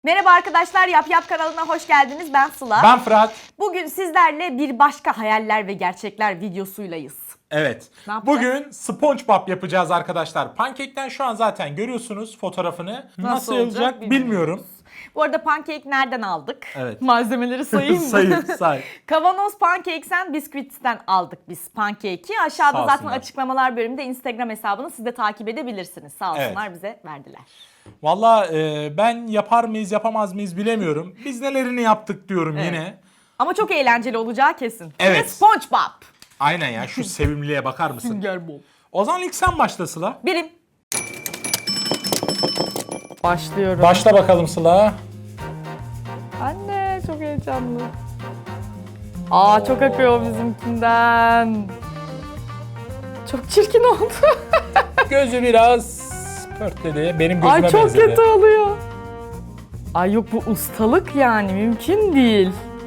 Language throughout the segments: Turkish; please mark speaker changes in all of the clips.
Speaker 1: Merhaba arkadaşlar, Yap Yap kanalına hoş geldiniz. Ben Sıla.
Speaker 2: Ben Fırat.
Speaker 1: Bugün sizlerle bir başka hayaller ve gerçekler videosuylayız.
Speaker 2: Evet.
Speaker 1: Ne yapacağız?
Speaker 2: Bugün SpongeBob yapacağız arkadaşlar. Pankekten şu an zaten görüyorsunuz fotoğrafını. Nasıl olacak bilmiyorum.
Speaker 1: Bu arada pankek nereden aldık?
Speaker 2: Evet.
Speaker 1: Malzemeleri sayayım mı?
Speaker 2: Say.
Speaker 1: Kavanoz Pancakes and Biscuits'ten aldık biz pankeki. Aşağıda
Speaker 2: Sağ
Speaker 1: zaten
Speaker 2: olsunlar.
Speaker 1: açıklamalar bölümünde Instagram hesabını siz de takip edebilirsiniz. Sağ olsunlar bize verdiler.
Speaker 2: Valla ben yapar mıyız yapamaz mıyız bilemiyorum. Biz nelerini yaptık diyorum yine.
Speaker 1: Ama çok eğlenceli olacağı kesin.
Speaker 2: Evet.
Speaker 1: Ve SpongeBob.
Speaker 2: Aynen ya, şu sevimliliğe bakar mısın?
Speaker 1: Sünger Bob.
Speaker 2: O zaman ilk sen başla Sıla.
Speaker 1: Birim. Başlıyorum.
Speaker 2: Başla bakalım Sıla.
Speaker 1: Anne çok heyecanlı. Aa çok akıyor bizimkinden. Çok çirkin oldu.
Speaker 2: Gözü biraz pörtledi. Benim gözüme
Speaker 1: Ay çok
Speaker 2: benzedi.
Speaker 1: kötü oluyor. Ay yok bu ustalık yani mümkün değil.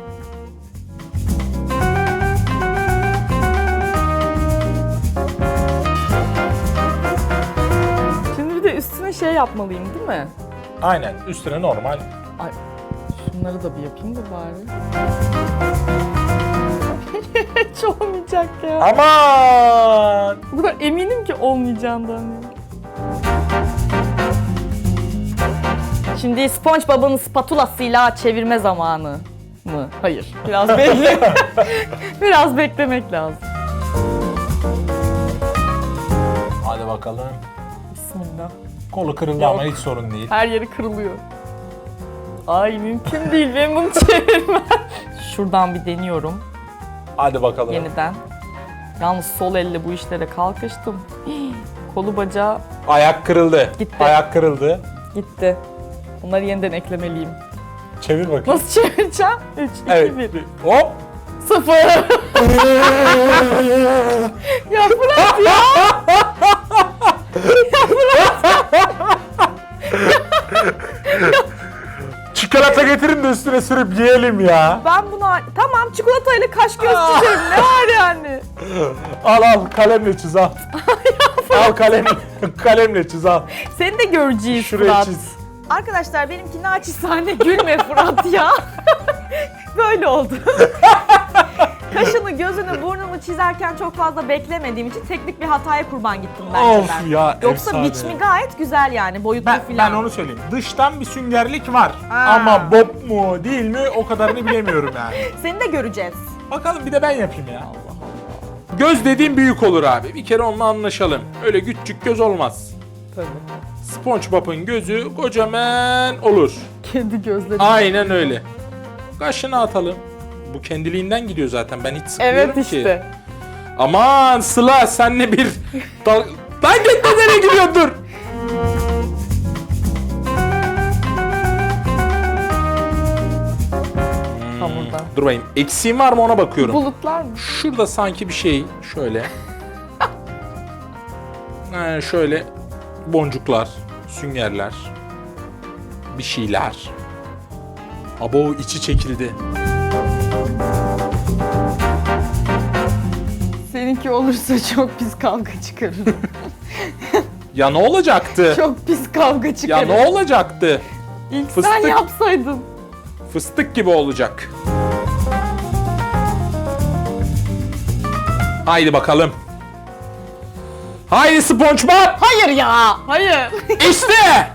Speaker 1: Şimdi bir de üstüne şey yapmalıyım değil mi?
Speaker 2: Aynen, üstüne normal.
Speaker 1: Ay şunları da bir yapayım da bari. Hiç olmayacak ya.
Speaker 2: Aman!
Speaker 1: Bu kadar eminim ki olmayacağından ya. Şimdi SpongeBob'un spatulasıyla çevirme zamanı mı? Hayır. Biraz biraz beklemek lazım.
Speaker 2: Hadi bakalım.
Speaker 1: Bismillah.
Speaker 2: Kolu kırıldı
Speaker 1: Yok.
Speaker 2: ama hiç sorun değil.
Speaker 1: Her yeri kırılıyor. Ay mümkün değil benim bunu çevirmem. Şuradan bir deniyorum
Speaker 2: Hadi bakalım.
Speaker 1: yeniden. Yalnız sol elle bu işlere kalkıştım. Kolu bacağı
Speaker 2: Ayak kırıldı.
Speaker 1: Gitti.
Speaker 2: Ayak kırıldı.
Speaker 1: gitti. Bunları yeniden eklemeliyim.
Speaker 2: Çevir bakayım.
Speaker 1: Nasıl çevireceğim? 3, 2,
Speaker 2: Evet.
Speaker 1: 1.
Speaker 2: Hop.
Speaker 1: 0. Ya Fırat ya.
Speaker 2: Çikolata getirin de üstüne sürüp yiyelim ya.
Speaker 1: Ben buna tamam çikolatayla kaş göz çizerim ne var yani?
Speaker 2: Al kalemle çiz al. Al kalemle çiz al.
Speaker 1: Seni de göreceğiz
Speaker 2: Şuraya
Speaker 1: Fırat.
Speaker 2: çiz.
Speaker 1: Arkadaşlar benimki naçizane gülme Fırat ya. Böyle oldu. Kaşını, gözünü, burnunu çizerken çok fazla beklemediğim için teknik bir hataya kurban gittim bence
Speaker 2: Of
Speaker 1: ben.
Speaker 2: ya,
Speaker 1: Yoksa
Speaker 2: efsane.
Speaker 1: biçimi gayet güzel yani boyutlu
Speaker 2: Ben
Speaker 1: filan.
Speaker 2: onu söyleyeyim. Dıştan bir süngerlik var.
Speaker 1: Ha.
Speaker 2: Ama bob mu değil mi o kadarını bilemiyorum yani.
Speaker 1: Seni de göreceğiz.
Speaker 2: Bakalım bir de ben yapayım ya. Göz dediğim büyük olur abi. Bir kere onunla anlaşalım. Öyle küçük göz olmaz.
Speaker 1: Tabii.
Speaker 2: SpongeBob'un gözü kocaman olur.
Speaker 1: Kendi gözleri.
Speaker 2: Aynen öyle. Kaşını atalım. Bu kendiliğinden gidiyor zaten. Ben hiç sıkmıyorum
Speaker 1: Evet
Speaker 2: ki.
Speaker 1: işte.
Speaker 2: Aman Sıla senle bir... Lan gitme nereye gidiyorsun dur.
Speaker 1: Hamurdan.
Speaker 2: Dur bakayım. Eksiğim var mı ona bakıyorum.
Speaker 1: Bulutlar mı?
Speaker 2: Şurada sanki bir şey şöyle. Şöyle boncuklar, süngerler, bir şeyler. Abo içi çekildi.
Speaker 1: Seninki olursa çok pis kavga çıkarır.
Speaker 2: Ya ne olacaktı?
Speaker 1: Çok pis kavga
Speaker 2: Ya
Speaker 1: çıkarır.
Speaker 2: ne olacaktı?
Speaker 1: İlk sen
Speaker 2: Fıstık.
Speaker 1: yapsaydın.
Speaker 2: Fıstık gibi olacak. Haydi bakalım. Haydi SpongeBob.
Speaker 1: Hayır ya. Hayır.
Speaker 2: İşte.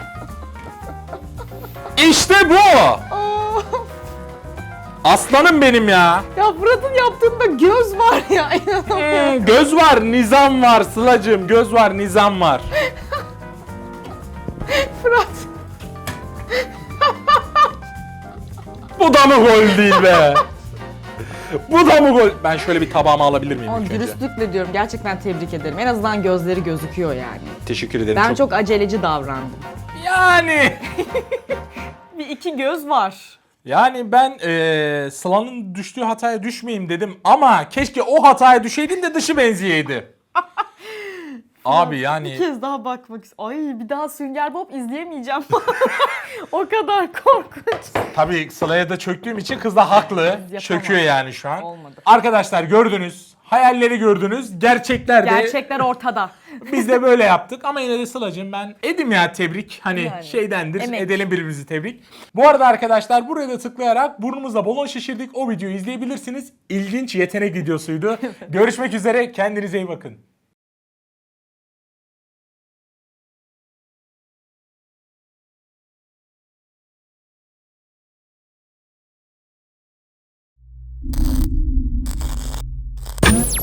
Speaker 2: İşte bu.
Speaker 1: Aa,
Speaker 2: Aslanım benim ya.
Speaker 1: ya Fırat'ın yaptığında göz var ya. İnanamıyorum.
Speaker 2: Göz var, nizam var Sıla'cığım. Göz var, nizam var.
Speaker 1: Fırat.
Speaker 2: Bu da mı gol değil be? Bu da mı gol? Ben şöyle bir tabağımı alabilir miyim
Speaker 1: Ama
Speaker 2: ilk önce?
Speaker 1: dürüstlükle diyorum. Gerçekten tebrik ederim. En azından gözleri gözüküyor yani.
Speaker 2: Teşekkür ederim.
Speaker 1: Ben çok aceleci davrandım.
Speaker 2: Yani...
Speaker 1: Bir iki göz var.
Speaker 2: Yani ben Sıla'nın düştüğü hataya düşmeyeyim dedim ama keşke o hataya düşeydim de dışı benzeyeydi. Abi
Speaker 1: Bir
Speaker 2: yani
Speaker 1: kez daha bakmak istiyorum. Ay bir daha Sünger Bob izleyemeyeceğim. O kadar korkunç.
Speaker 2: tabii Sıla'ya da çöktüğüm için kız da haklı.
Speaker 1: Yapamam.
Speaker 2: Çöküyor yani şu an.
Speaker 1: Olmadı.
Speaker 2: Arkadaşlar gördünüz Hayalleri gördünüz. Gerçekler de
Speaker 1: Gerçekler ortada.
Speaker 2: biz de böyle yaptık. Ama yine de Sıla'cığım ben edim ya tebrik. Hani
Speaker 1: Yani,
Speaker 2: şeydendir.
Speaker 1: emek.
Speaker 2: Edelim birbirimizi tebrik. Bu arada arkadaşlar buraya da tıklayarak burnumuzda balon şişirdik. O videoyu izleyebilirsiniz. İlginç yetenek videosuydu. Görüşmek üzere. Kendinize iyi bakın.